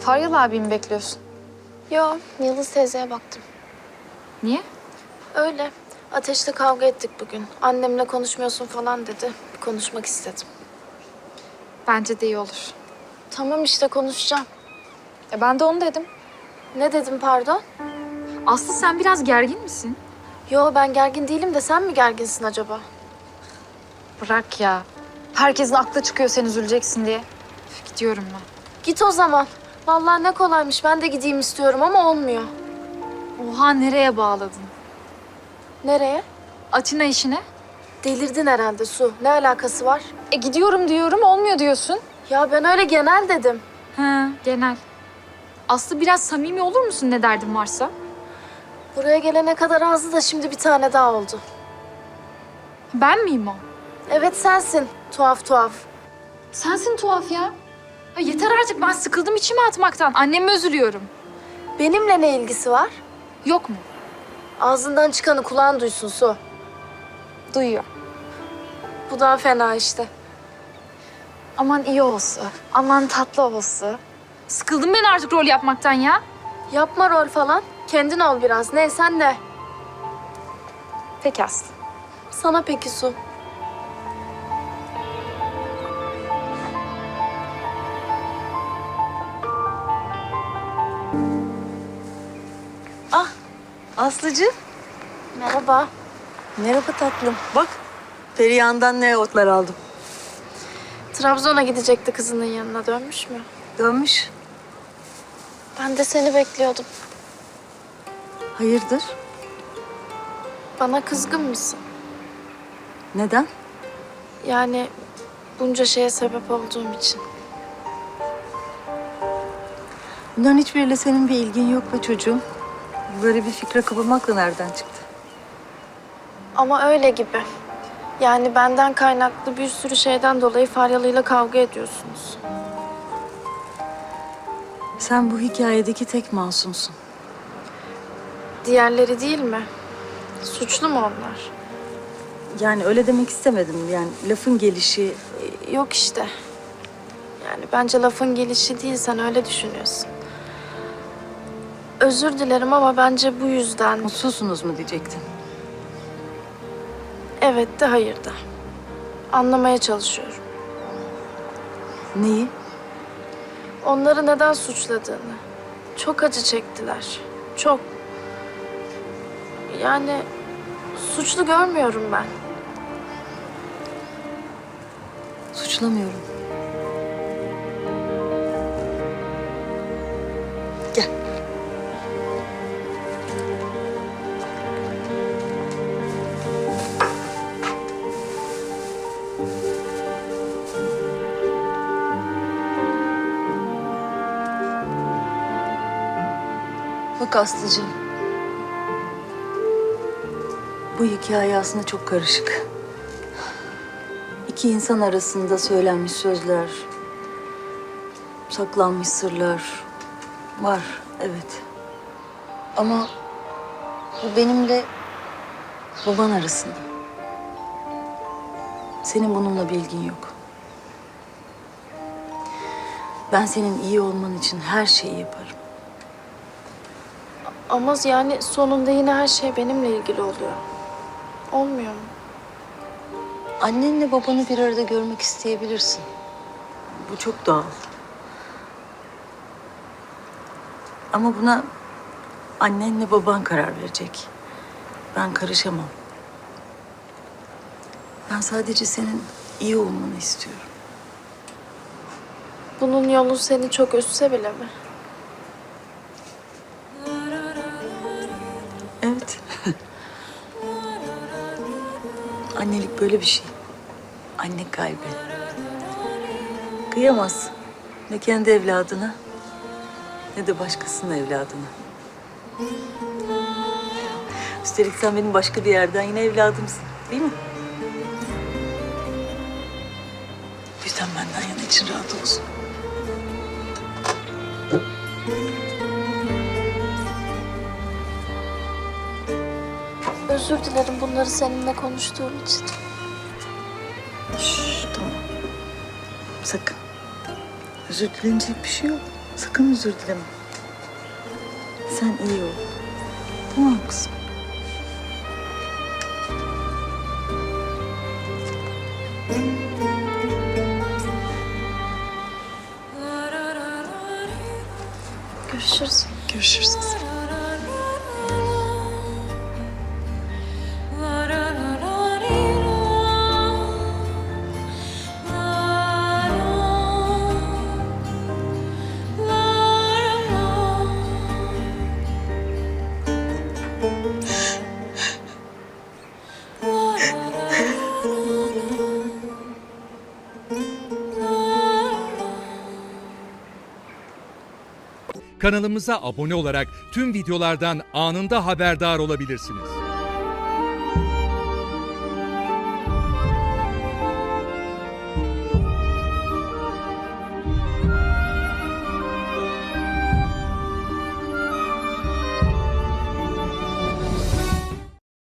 Faryalı abimi bekliyorsun. Yo, Yıldız teyzeye baktım. Niye? Öyle. Ateş'le kavga ettik bugün. Annemle konuşmuyorsun falan dedi. Bir konuşmak istedim. Bence de iyi olur. Tamam işte konuşacağım. Ben de onu dedim. Ne dedim pardon? Aslı sen biraz gergin misin? Yo ben gergin değilim de sen mi gerginsin acaba? Bırak ya. Herkesin aklı çıkıyor sen üzüleceksin diye. Üf, gidiyorum ben. Git o zaman. Vallahi ne kolaymış. Ben de gideyim istiyorum ama olmuyor. Oha nereye bağladın? Nereye? Atina işine. Delirdin herhalde Su. Ne alakası var? Gidiyorum diyorum olmuyor diyorsun. Ya ben öyle genel dedim. Ha genel. Aslı biraz samimi olur musun ne derdin varsa? Buraya gelene kadar azdı da şimdi bir tane daha oldu. Ben miyim o? Evet sensin. Tuhaf tuhaf. Sensin tuhaf ya. Yeter artık ben sıkıldım içime atmaktan. Anneme üzülüyorum. Benimle ne ilgisi var? Yok mu? Ağzından çıkanı kulağın duysun Su. Duyuyor. Bu daha fena işte. Aman iyi olsun. Aman tatlı olsun. Sıkıldım ben artık rol yapmaktan ya. Yapma rol falan. Kendin ol biraz. Ne sen ne? Peki Aslı. Sana peki Su. Aslıcığım. Merhaba. Merhaba tatlım. Bak Perihan'dan ne otlar aldım. Trabzon'a gidecekti kızının yanına. Dönmüş mü? Dönmüş. Ben de seni bekliyordum. Hayırdır? Bana kızgın mısın? Neden? Yani bunca şeye sebep olduğum için. Bunların hiçbiriyle senin bir ilgin yok be çocuğum. Böyle bir fikre kapılmakla nereden çıktı? Ama öyle gibi. Yani benden kaynaklı bir sürü şeyden dolayı Faryalı'yla kavga ediyorsunuz. Sen bu hikayedeki tek masumsun. Diğerleri değil mi? Suçlu mu onlar? Yani öyle demek istemedim. Yani lafın gelişi... Yok işte. Yani bence lafın gelişi değil, sen öyle düşünüyorsun. Özür dilerim ama bence bu yüzden... Mutsuzsunuz mu diyecektin? Evet de hayır da. Anlamaya çalışıyorum. Neyi? Onları neden suçladığını. Çok acı çektiler. Çok. Yani suçlu görmüyorum ben. Suçlamıyorum. Gel. Bak Aslıcığım. Bu hikaye aslında çok karışık. İki insan arasında söylenmiş sözler, saklanmış sırlar var, evet. Ama bu benimle baban arasında. Senin bununla bir ilgin yok. Ben senin iyi olman için her şeyi yaparım. Ama yani sonunda yine her şey benimle ilgili oluyor. Olmuyor mu? Annenle babanı bir arada görmek isteyebilirsin. Bu çok doğal. Ama buna annenle baban karar verecek. Ben karışamam. Ben sadece senin iyi olmanı istiyorum. Bunun yolu seni çok üzse bile mi? Evet. Annelik böyle bir şey. Anne kalbi. Kıyamaz. Ne kendi evladına ne de başkasının evladına. Üstelik sen benim başka bir yerden yine evladımsın, değil mi? O yüzden benden yana için rahat olsun. Özür dilerim bunları seninle konuştuğum için. Şşş, tamam. Sakın. Özür dilenecek bir şey yok. Sakın özür dileme. Sen iyi ol. Tamam kızım. Görüşürüz. Görüşürüz. Kanalımıza abone olarak tüm videolardan anında haberdar olabilirsiniz.